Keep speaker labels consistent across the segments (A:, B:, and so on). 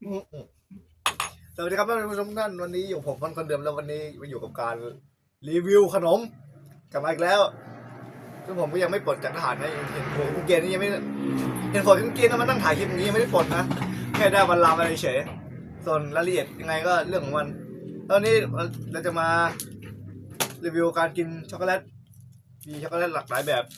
A: สวัสดีครับท่านผู้ชมทุกท่านวันนี้อยู่ผมคนเดิมแล้ววันนี้มาอยู่กับการรีวิวขนมกลับมาอีกแล้วซึ่งผมก็ยังไม่ปลดจากทหารนะเห็นผมเกณฑ์นี่ยังไม่เห็นผมเกณฑ์มาตั้งถ่ายคลิปนี้ยังไม่ได้ปลดนะแค่ได้วันลามาเฉยส่วนรายละเอียดยังไงก็เรื่องของมันตอนนี้เราจะมารีวิวการกินช็อกโกแลตมีช็อกโกแลตหลากหลายแบบ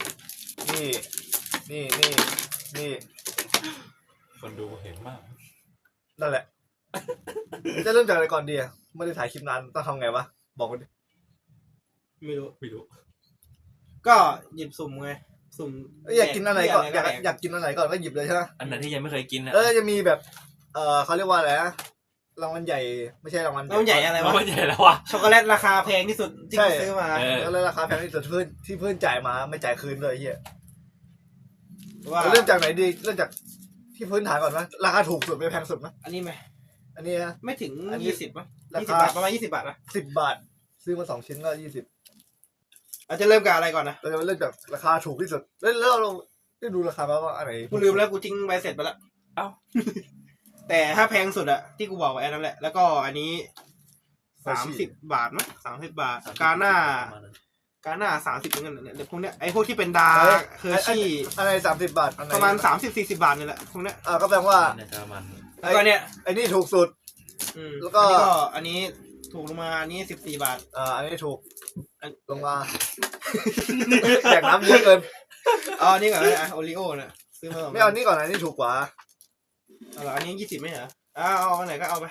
A: นี่
B: คนดูเห็นมาก
A: นั่นแหละจะเริ่มจากอะไรก่อนดีไม่ได้ถ่ายคลิปนานต้องทำไงวะบอกกันดิ
C: ไม่รู้
A: ก็
C: หยิบสุ่มไงสุ่ม
A: อยากกินอะไรก่อนอยากกินอะไรก่อนก็หยิบเลยใช่ไหม
B: อันนั้นที่ยังไม่เคยกินนะ
A: จะมีแบบเขาเรียกว่าอะไรนะรางวัลใหญ่ไม่ใช่รางวัล
C: ใหญ่อะไรวะ
B: มันใหญ่แล้ววะ
C: ช็อกโกแลตราคาแพงที่สุดที่ซื้อมา
A: แล้วราคาแพงที่สุดที่เพื่อนจ่ายมาไม่จ่ายคืนเลยเฮีย
C: ว่า
A: เริ่มจากไหนดีเริ่มจากที่พื้นฐานก่อนไหมราคาถูกสุดไม่แพงสุดไหม
C: อันนี้ไหม
A: อันนี้นะ
C: ไม่ถึง20 มั้ย20 บาทประมาณ20 บาทนะ
A: 10 บาทซื้อมา2 ชิ้นก็20
C: อาจจะเริ่มกับอะไรก่อนนะ
A: เราจะเริ่มจากราคาถูกที่สุดแล้วเราได้ดูราคาว่าอันไหน
C: กูลืมแล้วกูทิ้งใบเสร็จไปแล้ว
B: เอ้า
C: แต่ถ้าแพงสุดอะที่กูบอกไว้นั่นแหละแล้วก็อันนี้30 บาทมั้ย30 บาทกาหน้า30เหมือนกันเนี่ยพวกเนี้ยไอ้พวกที่เป็นดาเคอร์ชี่
A: อะไร30 บาท
C: ประมาณ30-40 บาทนี่แหละพวกเนี้ย
A: ก็แปลว่า
C: แล้วก็เนี่ย
A: ไอ้นี่ถูกสุด
C: แล้วก็อันนี้ถูกลงมาอันนี้14 บาท
A: อันนี้ถูกลงมาแจกน้ำเยอะเกิน
C: นี่ก่อนนะโอริโอเนี่ยซื้อมา
A: ไม่เอานี่ก่อนอันนี้ถูกกว่า
C: อันนี้20ไม่เหรอเอาอันไหนก็เอาไป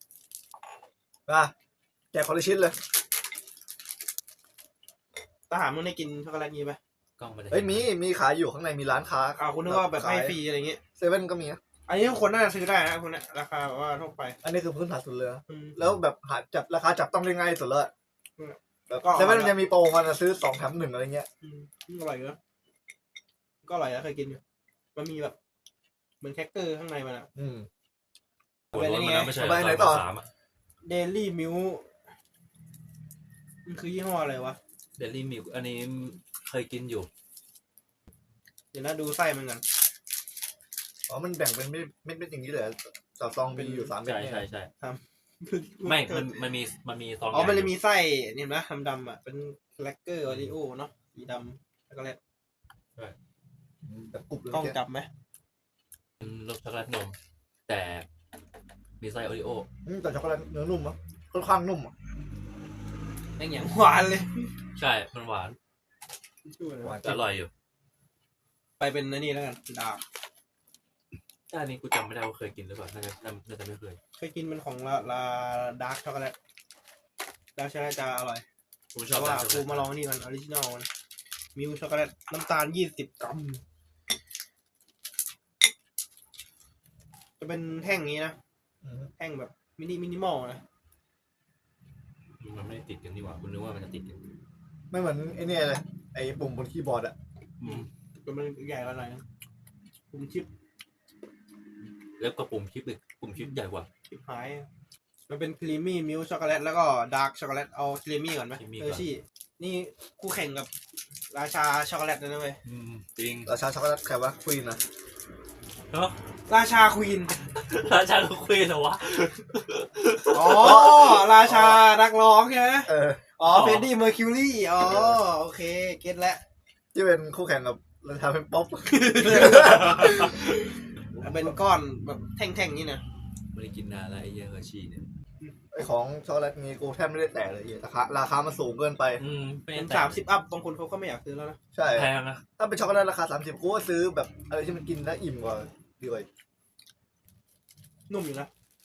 A: แจกคนละชิ้นเลย
C: ทหารมึงได้กินช็อกโกแลตงี้ไหม
A: มีขายอยู่ข้างในมีร้านค้า
C: คุณนึกว่าแบบให้ฟรีอะไรเงี้ย
A: เซเว่นก็มีนะ
C: อันนี้คนน่าจะซื้อได้นะคุณเนี่ยราคาแบบว่าทั่วไป
A: อันนี้คือพื้นฐานสุดเลยแล้วแบบจับราคาจับต้องได้ง่ายสุดเลย
C: แล้วก็
A: เซเว่นมันจะมีโปรมันซื้อ2 แถม 1อะไรเงี้ย
C: อร่อยนะก็อร่อยนะเคยกินอยู่มันมีแบบเหมือนแคคเกอร์ข้างในมัน
B: เป็นอะไรเนี่ย
A: ไปไหนต่อ
C: เดลี่มิลมันคือยี่ห้ออะไรวะ
B: เดลี่มิลอันนี้เคยกินอยู่
C: เดี๋ยวนะดูไส้มันกัน
A: มันแบ่งเป็นไม่อย่างนี้เลยต่อซองมีอยู่3 แบบ
B: ใช่ไม่มันมีซอง
C: มันเลยมีไส้นี่นะดำๆเป็นแคคเกอร์โอริโอเนาะสีดำช็อกโกแลต
A: แบบกรุบเลย
C: ต้องจับไหม
B: รสช็อกโกแลตนมแต่มีไส้โอริโอ
A: แต่ช็อกโกแลตเนื้อนุ่มค่อนข้างนุ่ม
C: อย่างหวานเลย
B: ใช่มันหวานอร่อยอยู่
C: ไปเป็นนี่แล้วกันดาร์ก
B: อันนี้กูจำไม่ได้ว่าเคยกินหรือเปล่าน่าจะไม่
C: เคยกินเป็นของลาดาร์กช็อกโกแลตดาร์กช็อกโกแลตจะอร่อย
B: กูชอบว่า
C: กูมาลองนี่มันออริจินอลมิลช็อกโกแลตน้ำตาล20 กรัมจะเป็นแท่งนี้นะแท่งแบบมินิมอลนะ
B: มันไม่ติดกันนี่หว่าคุณนึกว่ามันจะติดกัน
A: ไม่เหมือนไอ้นี่เลยไอ้ปุ่มบนคีย์บอร์ด
C: มันใหญ่กว่าหน่อยปุ่มชิป
B: แล้วก็ปุ่มชิปใหญ่กว่า
C: ชิปหายมันเป็นครีมมี่มิลช็อกโกแลตแล้วก็ดาร์กช็อกโกแลตเอาครีมมี่ก่อนไหมชี่นี่คู่แข่งกับราชาช็อกโกแลตนะเว้ย
B: จริง
A: ราชาช็อกโกแลตใครวะควีนนะ
C: ราชาควีน
B: เหรอวะ
C: ราชานักร้องใช่ไหมเฟรดดี้เมอร์คิวรี่โอเคเก็ตแล้ว
A: ที่เป็นคู่แข่งกับราชาเป็นป๊อป
C: เป็นก้อนแบบแท่งๆนี่นะ
B: ไม่ได้กินนานแล้วไอ้เฮอร์ชี่เนี่ย
A: ไอ้ของช็อกโกแลตนี้กูแทบไม่ได้แตะเลยราคามันสูงเกินไป
C: เป็น30 อัพบางคนเขาก็ไม่อยากซื้อแล้วนะ
A: ใช่
B: แพงนะ
A: ถ้าเป็นช็อกโกแลตราคา30กูก็ซื้อแบบอะไรที่มันกินแล้วอิ่มกว่าดีกว่า
C: นุ่มอยู่นะ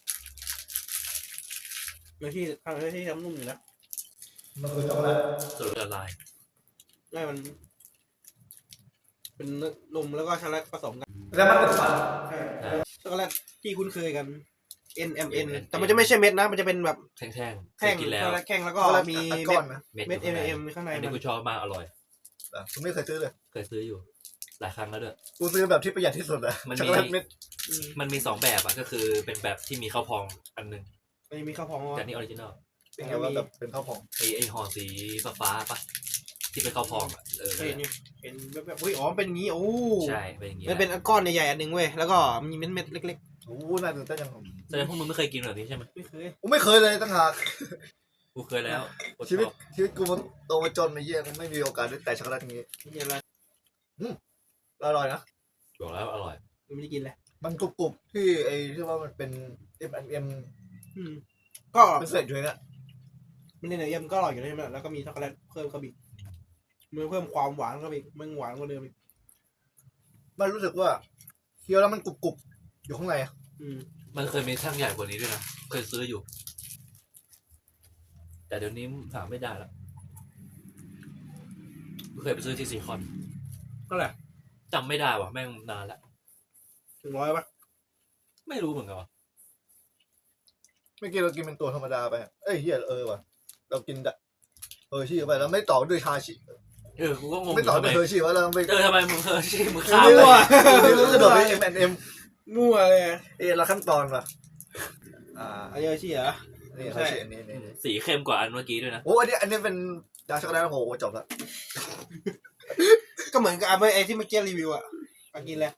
C: เนื้อที่ทำนุ่มอยู่นะ
A: มันคือช็อกโกแลต
B: สูตรละลาย
C: ไม่มันเป็นนมแล้วก็ช็อกโกแลตผสมกัน
A: แล้วมันเป็นฝัน
C: ช็อกโกแลตที่คุ้นเคยกัน NMN แต่มันจะไม่ใช่เม็ดนะมันจะเป็นแบบ
B: แท่ง
C: กินแล้วแข็งแล้วก็มีเม็ด MM ข้างใน
B: อันนี้กูชอบมากอร่อย
A: กูไม่เคยซื้อเลย
B: เคยซื้ออยู่หลายครั้งแล้วด้วย
A: กูซื้อแบบที่ประหยัดที่สุดอะช็อกโกแลตเม็ด
B: มันมี2 แบบก็คือเป็นแบบที่มีข้าวพองอันนึง
C: มีข้าวพอง
B: แต่นี่ออริจินอล
A: เป็นไงว่าแบบเป็นข้าวพอง
B: ไอห่อสีฟ้าปะที่เป็นข้าวพอง
C: เป็นแบบเป็นอย่างนี้โอ้
B: ใช่เป็นอย่างนี้
C: มันเป็นก้อนใหญ่ๆอันนึงเว้ยแล้วก็มีเม็ดเล็ก
A: โอ้น่าตื่นเต้นจังผม
B: แสดงพวกมึงไม่เคยกินแบบนี้ใช่ไหม
C: ไม่เคย
A: กูไม่เคยเลยตั้งหาก
B: กูเคยแล้วกูช
A: ชีวิต
B: อบ
A: ชีวิตกูมันโตมาจนมาเยี่ยไม่มีโอกาสได้แต่ช็อกโกแลตอย่างงี้
C: ไม่กินอะไร
A: อร่อยนะ
B: บอกแล้วอร่อย
C: ไม่ได้กินเลย
A: มันกรุบๆที่ไอ้ที่ว่ามันเป็น M&M
C: อืมก็
A: เป็นเศษอยู่เนี่ย
C: มันเนี่ยยังก็อร่อยอยู่แล้วใช่ไหมแล้วก็มีช็อกโกแลตเพิ่มเข้าไปอีกมันเพิ่มความหวานเข้าไปอีกมันหวานกว่าเดิมอีก
A: มันรู้สึกว่าเคี้ยวแล้วมันกรุบๆอยู่ข้างในอะ
C: อืม
B: มันเคยมีช่างใหญ่กว่านี้ด้วยนะเคยซื้ออยู่ แต่เดี๋ยวนี้หาไม่ได้แล้วเคยไปซื้อที่ซีคอน
C: ก็แหละ
B: จำไม่ได้ว่ะแม่งนานแล้ว
C: 100ป่ะ
B: ไม่รู้เหมือนกันว่ะ
A: เมื่อกี้เรากินเป็นตัวธรรมดาไปอะเอ้ยเฮียว่ะเรากินชี่ไปแล้วไม่ต่อด้วยชาชิ
B: กูก็งง
A: ไม่ต่อด้วยเฮอร์ชี่วะเราไป
B: ทำไมมึงชิมึงข้าม
C: มั่
B: ไป
C: ว
A: รู้สึกแบบ M&M
C: มั่วเลย
A: เราขั้นตอนว่ะ
C: อันนี้ชี่เหรอ
A: นี่
C: ใช่
A: เฮอร์ชี่อันนี้
B: สีเข้มกว่าอันเมื่อกี้ด้วยนะ
A: โอ้อันนี้เป็นดาร์กช็อกโกแลตโอ้โหจบละ
C: ก็เหมือนกับไอ้ที่เมื่อกี้รีวิวอ่ะมากินแล้ว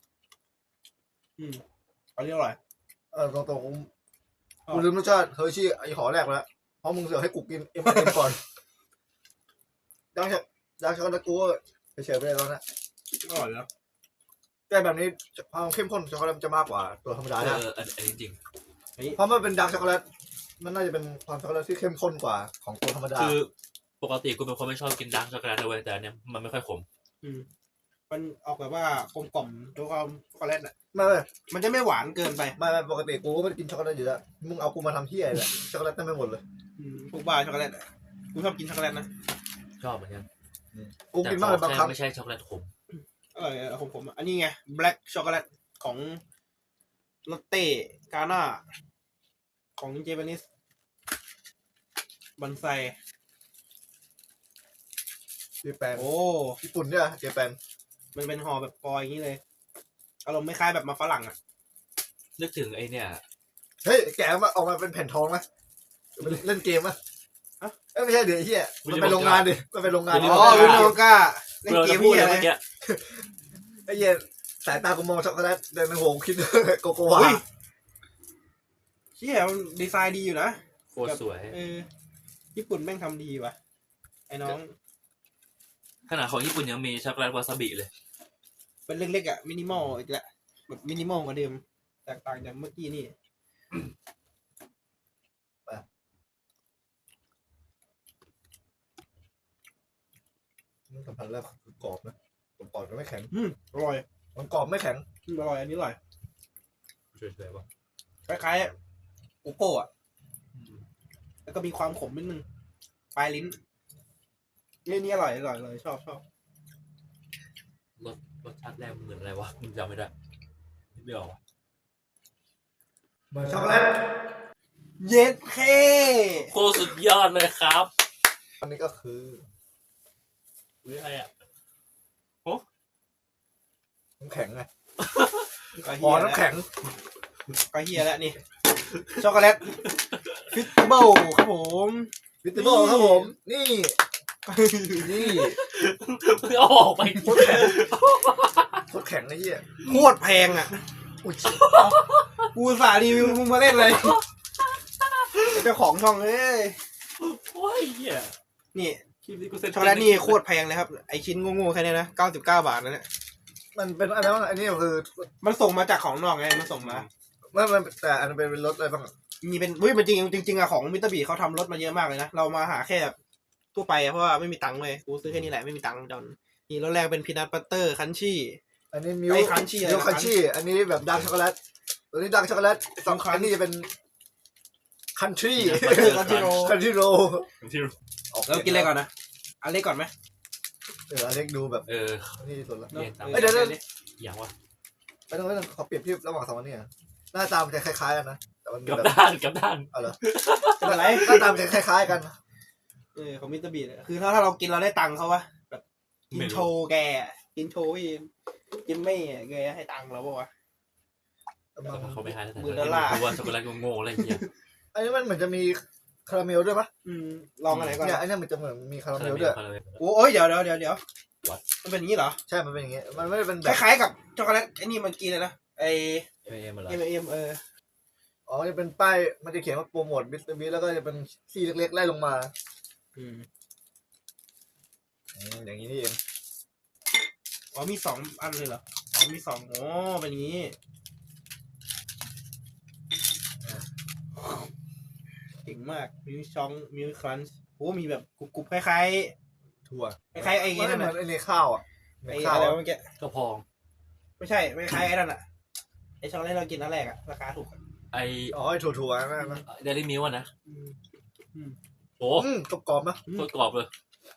C: อันนี้อร่อย
A: ตรงกูลืมรสชาติเฮอร์ชี่ไอห่อแรกไปแล้วเพราะมึงเสือกให้กูกิน M&M ก่อนดาร์กช็อกโกแลตกูเฉยๆไปเลยแล้วนะ
C: อร่อยแล้ว
A: แต่แบบนี้ความเข้มข้นช็อกโกแลตจะมากกว่าตัวธรรมดานะ
B: อันนี้จริง
A: เพราะมันเป็นดาร์กช็อกโกแลตมันน่าจะเป็นความช็อกโกแลตที่เข้มข้นกว่าของตัวธรรมดา
B: คือปกติกูเป็นคนไม่ชอบกินดาร์กช็อกโกแลตเลยแต่อันเนี้ยมันไม่ค่อยขม
C: มันออกแบบว่ากลมกล่อมตัวความช็อกโกแลตอ่ะ
A: ไม่
C: มันจะไม่หวานเกินไป
A: ปกติกูก็ไม่ได้กินช็อกโกแลตอยู่แล้วมึงเอากูมาทำเที่ยอะไรช็อกโกแลตเต็มไปหมดเลย
C: พวกบ้าช็อกโกแลตอะกูชอบกินช็อกโกแลตนะ
B: ชอบเหมือนกัน
A: กูกินมากเลยบางครั้ง
B: ไม่ใช่ช็อกโกแลตขม
C: อร่อยของผมอันนี้ไง black ช็อกโกแลตของลอตเต้กาน่าของเจแปนิสบันไซ
A: เจแปน
C: โอ้
A: ญี่ปุ่นเนี่ยเจแปน
C: มันเป็นห่อแบบฟอยล์อย่างนี้เลยอารมณ์ไม่คล้ายแบบมาฝรั่งอ่ะ
B: นึกถึงไอเนี่ย
A: เฮ้ยแกะมาออกมาเป็นแผ่นทองไหมเล่นเกมไหมไม่ใช่เดี๋ยวไอ้เฮียมันไปโรงงานดิมันไปโรงงาน
C: อ๋อวินโอก้าเล่นเกม
B: พูด
C: พี่
B: เลย
C: อะไร
B: เมื่อกี้
A: ไอ้เฮียสายตากูมองช็อกโกแลตเดินในหัวคิดโกโกวา
C: เชี่ยมันดีไซน์ดีอยู่นะ
B: โคตรสวย
C: ญี่ปุ่นแม่งทำดีว่ะไอ้น้อง
B: ขนาดของญี่ปุ่นยังมีช็อกโกแลตวาซาบิเลย
C: เป็นเล็กๆอ่ะมินิมอลอีกแล้วแบบมินิมอลกว่าเดิมแตกต่างจากเมื่อกี้นี่
A: สัมผัสแรกคือกรอบนะกรอบมันไม่แข็ง
C: อร่อย
A: มันกรอบไม่แข็ง
C: อร่อยอันนี้อร่อย
B: สวยๆว่ะ
C: คล้ายๆอุโก้อะแล้วก็มีความขมนิดนึงปลายลิ้นนี่อร่อยเลยชอบ
B: รสชาติแรกมันเหมือนอะไรวะมึงจำไม่ได้ไม่ออกว่ะ
A: เหมือนช็อกโกแลต
C: เย็ดเค
B: โคตรสุดยอดเลยครับ
A: อันนี้ก็คือ
B: หรืออะไรอ่ะ
A: น้ำแข็งไง
C: ก็
A: อ๋
C: เฮี
A: อย น้ำแข็ง
C: ก็เฮียแล้วนี่ช็อกโกแลตฟิตเบิลครับผม
A: วิตามินครับผมนี่ นี่
B: มึงเอาออกไป
A: โคตรแข็งโคตรแข็งไอ้เหี้ย
C: โคตรแพงอ่ะ
A: อุ้ย
C: กูอุตสาห์รีวิวมึงมาเล่นเลยเจ้าของช่องเอ้ย
B: โอ้ยเหี้ย
C: นี่
B: คลิปนี้กูเซ็น
C: ช็อกโกแลตนี่โคตรแพงเลยครับไอชิ้นโง่ๆแค่นี้นะ99 บาทนะเนี่ย
A: มันเป็นอันนั้นอันนี้คือ
C: มันส่งมาจากของนอกไงมันส่งมา
A: มันแต่อันนั้นเป็นรถอะไรบ้าง
C: มีเป็นมันจริงอะของมิตรบีเขาทำรถมาเยอะมากเลยนะเรามาหาแค่ทั่วไปอะเพราะว่าไม่มีตังค์เลยกูซื้อแค่นี้แหละไม่มีตังค์จอนนี่รถแรกเป็นพีนัทบัตเตอร์คันชี่
A: อันนี้มิว
C: ไอ้ Crunchy อะไร
A: มิวคันชี่อันนี้แบบดาร์กช็อกโกแลตตัวนี้ดาร์กช็อกโกแลตสองอันนี้จะเป็นคันทรี
C: คันชี่โร
A: คันทรีโร
B: ที่
C: แล้วกินอะไรก่อนนะอันเล็กก่อนไหม
A: เดี๋ยวอเล็กดูแบบ นี่สุดละ
B: เย็นตาม
A: เดี๋ยว
B: อย่างวะ
A: ไม่ต้องขอเปรียบเทียบระหว่างสองอันนี้หน้าตามันจะคล้ายๆกันนะแต่มัน
B: กับ
A: แบบ
B: ด้านกับด้าน
A: เอาเหรอ
C: เป็นไร
A: หน้าตามันจะคล้ายๆกัน
C: ของมิตรบีเนี่ยคือถ้าเรากินเราได้ตังค์เขาวะแบบกินโชว์แกกินโชว์อีกินไม่แกให้ตังค์เราปะวะ
B: เขาไม่ให้แล้วแต่
C: $10,000
B: กูว่าช็อกโกแลตโง่ๆอะไรอย่างเงี้ย
A: อันนี้มันเหมือนจะมีคาราเมลด้วยปะ
C: ลองอันไหนก่อน
A: เนี่ยอันนี้มันจะเหมือนมีคาราเมลด้วย
C: โอ้ยเดี๋ยว
B: What?
C: มันเป็นอย่างนี้เหรอ
A: ใช่มันเป็นอย่างเงี้ยมันไม่ได้เป็น
C: ค
A: แบบ
C: ล้ายๆกับช็อกโกแลตไอ้นี่มันกินเลยนะไอ้
B: M&M อะไร
C: M&M
A: อ๋อจะเป็นป้ายมันจะเขียนว่าโปรโมทมิสเตอร์บีแล้วก็จะเป็นซี่เล็กๆไล่ลงมา
C: อืม
A: อย่างนี้นี่เอง
C: อ๋อมีสองอันเลยเหรออ๋อมีสองอ๋อเป็นอย่างนี้เก่งมากมิวชองมิวครันช์โอ้มีแบบกรุบๆคล้าย
A: ถั่ว
C: ๆคล้ายๆไอ้
A: มัน
C: นั่น
A: เหมื
C: น่ะ
A: อนไอ้ในข้าวอ่ะใน
C: ไอ้
A: ข้าว
C: อะไร
A: อะ
C: วะเมื่อกี้
B: กระพอง
C: ไม่ใช่ไม่คล้ายไอ้นั่นอ่ะไอ้ช็อกโกแลตเรากินอันแรกอ่ะราคาถูกอะ
B: ไอ
A: อ๋อไอ้ถั่วๆนั่นนะ
B: เดลี่มิลนะ
C: อืม
B: โอ้
A: กรอบๆนะ
B: โคตรกรอบเลย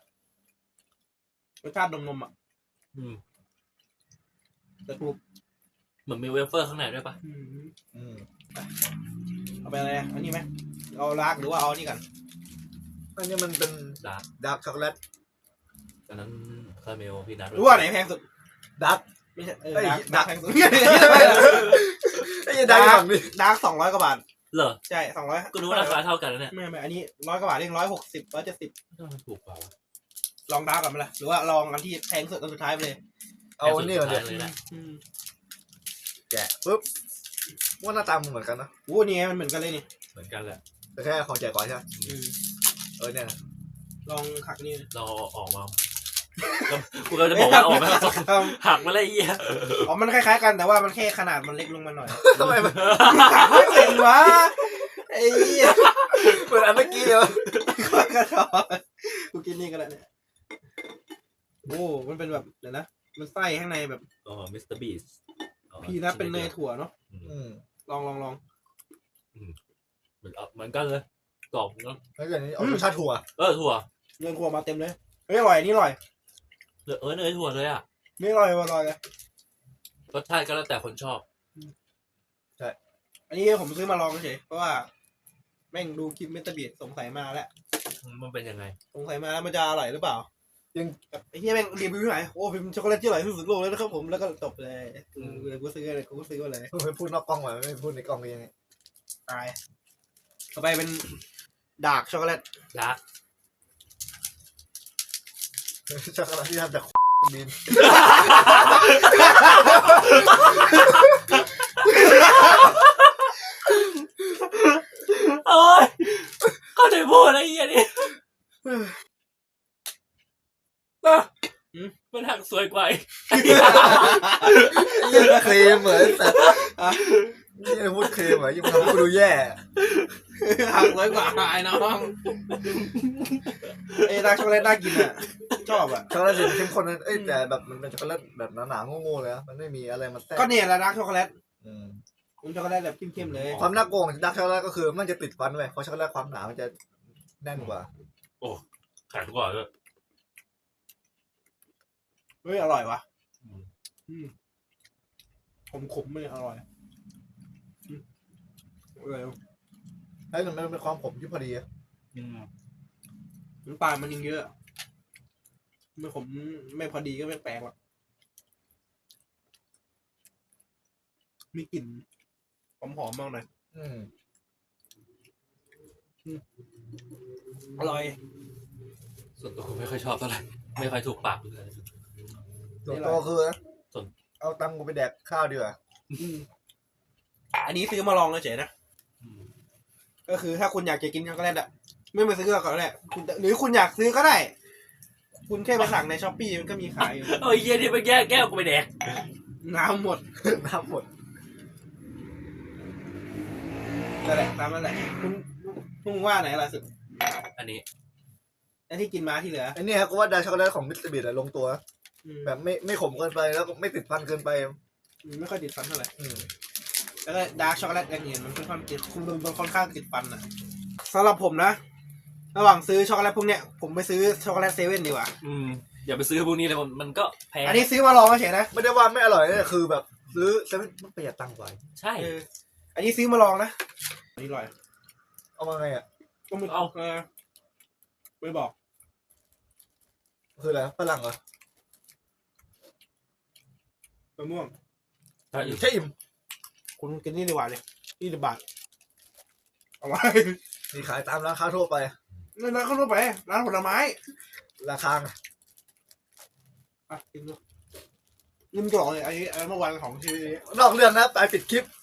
C: รสชาตินมๆอ่ะ
B: อืม
C: แต่กรุบ
B: เหมือนมีเวเฟอร์ข้างในด้วยปะ
A: อืม
C: เอาไปอะไรอันนี้ไหมเอาลากหรือว่าเอานี่กัน
A: อันนี้มันเป็น
B: ดาร์ก
A: ดาร์กช็อกโกแลต
B: อันนั้นคาราเมลพีนัท
C: รู้ว่าไหนแพงสุด
A: ดาร์ก
C: ไม่ใช่
A: เอ้ย
C: ดาร์กแพงสุด
A: ไอ้ดาร์กฝั่งนี้
C: ดาร์ก200 กว่าบาท
B: เหรอ
C: ใช่200
B: ก็รู้ว่าราคาเท่ากันแล้วเนี่ย
C: ไม่อันนี้100 กว่าบาทเอง160 170
B: มันถูกกว่าวะ
C: ลองดาร์กก่อนไหมล่ะหรือว่าลองอันที่แพงสุดอันสุดท้ายไปเลย
A: เอาอันนี้ก่อน
B: แพ
A: เดี๋
B: ง
A: ยว
B: สุดท้ายเลยนะ
A: แกะปุ๊บว่าหน้าตามันเหมือนกันนะ
C: โอ้นี่ไงมันเหมือนกันเลยนี่
B: เหมือนกันแหละ
A: แต่แค่ของแจกก่อนใช่ไหม เนี่ยนะ
C: ลองหักนี่
B: เราออกมากูก็จะบอกว่าออกมาหักมาเลยไอ้เหี้ย
C: อ๋อมันคล้ายๆกันแต่ว่ามันแค่ขนาดมันเล็กลงมาหน่อย
A: ทำไมมัน
C: หักไม่เป็นวะไอ้เหี้ย
A: เหมือนอันเมื่อกี้เลยวะ
C: กระชอกกูกินนี่กันแล้วเนี่ยโอ้มันเป็นแบบเดี๋ยวนะมันไส้ข้างในแบบ
B: อ๋อมิสเตอร์บีส
C: พีนัทเป็นเนยถั่วเนาะ
A: อืม
C: ลอง
B: เหมือนกันเลยกรอบเนาะ
A: แล้วอย่างนี้เอารสชาติถั่ว
B: ถั่ว
C: เนยถั่วมาเต็มเลยเฮ้ยอร่อยอันนี้อร่อย
B: เนยถั่วเลยอ่ะ
C: นี่อร่อยอร่อยเลย
B: รสชาติก็แล้วแต่คนชอบ
C: อันนี้ผมซื้อมาลองเฉยเพราะว่าแม่งดูคลิปเมตาบีดสงสัยมาแล้ว
B: มันเป็นยังไง
C: สงสัยมาแล้วมันจะอร่อยหรือเปล่า
A: ยัง
C: แบบไอ้เหี้ยแม่งรีวิวที่ไหนโอ้เป็นช็อกโกแลตที่อร่อยที่สุดโลกเลยนะครับผมแล้วก็จบเลยกูซื้อเลยกูซื้อมาเลย
A: เพิ่งพูดนอกกล้องมาไม่พูดในกล้องยังไง
C: ตายต่อไปเป็นดาร์กช็อกโกแลต
B: ดาร์ก
A: ช็อกโกแลตที่ทำจากดิน
B: โอ้ยเข้าใจพูดอะไรเงี้ยนี่มันหักสวยกว่า
A: ยังเคลมเหมือนแต่ยังพูดเคลมเหมือนยังทำให้ดูแย่
C: หัก100 กว่าไอ้น้องไอ้ดาร์กช็อกโกแลตน่ากินอ่ะชอบอ่ะ
A: ช็อกโกแลตสีเข้มข้นนั้นแต่แบบมันเป็นช็อกโกแลตแบบหนาๆโง่ๆเลยนะมันไม่มีอะไรมาแทรก
C: ก็เนี่ยแหละดาร์กช็อกโกแลต
A: อืม
C: มันช็อกโกแลตแบบเข้มๆเลย
A: ความน่าโกงของดาร์กช็อกโกแลตก็คือมันจะติดฟันไว้เพราะช็อกโกแลตความหนามันจะแน่นกว่า
B: แข็งกว่าด้วย
C: เฮ้ยอร่อยว่ะขมๆไม่อร่อยอะไร
A: แล้วมันเป็นความขมที่พอดีอะ
C: น้ำตาลมันยังเยอะไม่ขมไม่พอดีก็ไม่แปลกหรอกมีกลิ่นหอมๆมากหน่อย
A: อืม
C: อร่อย
B: ส่วนตัวผมไม่ค่อยชอบเท่าไหร่ไม่ค่อยถูกปากเลย
A: ส่วนตัวคือนะ
B: ส่วน
A: เอาตังค์กูไปแดกข้าวดีกว่า
C: อันนี้ซื้อมาลองเฉยๆนะก็คือถ้าคุณอยากจะกินช็อกโกแลตอ่ะไม่มาซื้อก็ได้คุณหรือคุณอยากซื้อก็ได้ คุณแค่ไปสั่งในช้อปปี้มันก็มีขายอยู่
B: โอ้ยเยี่ยนี่ไปแก้แก้วกูไปแดก
C: น้ำหมด
A: น้ำหมด
C: นั่นแหละตามนั่นแหละคุณว่าไหนอร่อยสุด
B: อันนี้
C: ไอ้ที่กินมาที่เหลือ
A: ไอ้นี่ครับกูว่าดาร์กช็อกโกแลตของมิสเตอร์บีดลงตัว แบบไม่ขมเกินไปแล้วก็ไม่ติดฟันเกินไป
C: ไม่ค่อยติดฟันเท่าไหร่
A: อืม
C: แล้วก็ดาร์กช็อกโกแลตอย่างเงี้ยมันค่อนข้างติดมันค่อนข้างติดฟันอ่ะสำหรับผมนะระหว่างซื้อช็อกโกแลตพวกเนี้ยผมไปซื้อช็อกโกแลตเซเว่นดีกว่า
B: อย่าไปซื้อพวกนี้เลยมันก็แพง
C: อันนี้ซื้อมาลองเฉยนะ
A: ไม่ได้ว่าไม่อร่อยนะคือแบบซื้อเซเว่นมันประหยัดตังค์กว่า
B: ใช่
C: อันนี้ซื้อมาลองนะอันนี้อร่อย
A: เอามาไงอ่ะ
C: ก็มึงไม่บอก
A: คืออะไรฝรั่งเหรอ
C: มะม่วง
B: ใช่
A: ใช่อิ่ม
C: คุณกินนี่ดีกว่าเลย20 บาทเอาไว้
A: มีขายตามร้านค้าทั่วไป
C: นั่นร้านข้าวต้มไปร้านผลไม้
A: ราคา
C: อ่ะกินดูนี่มันจะบอกเลยอันนี้เมื่อวานของที่
A: นอกเรื่องนะไปปิดคลิป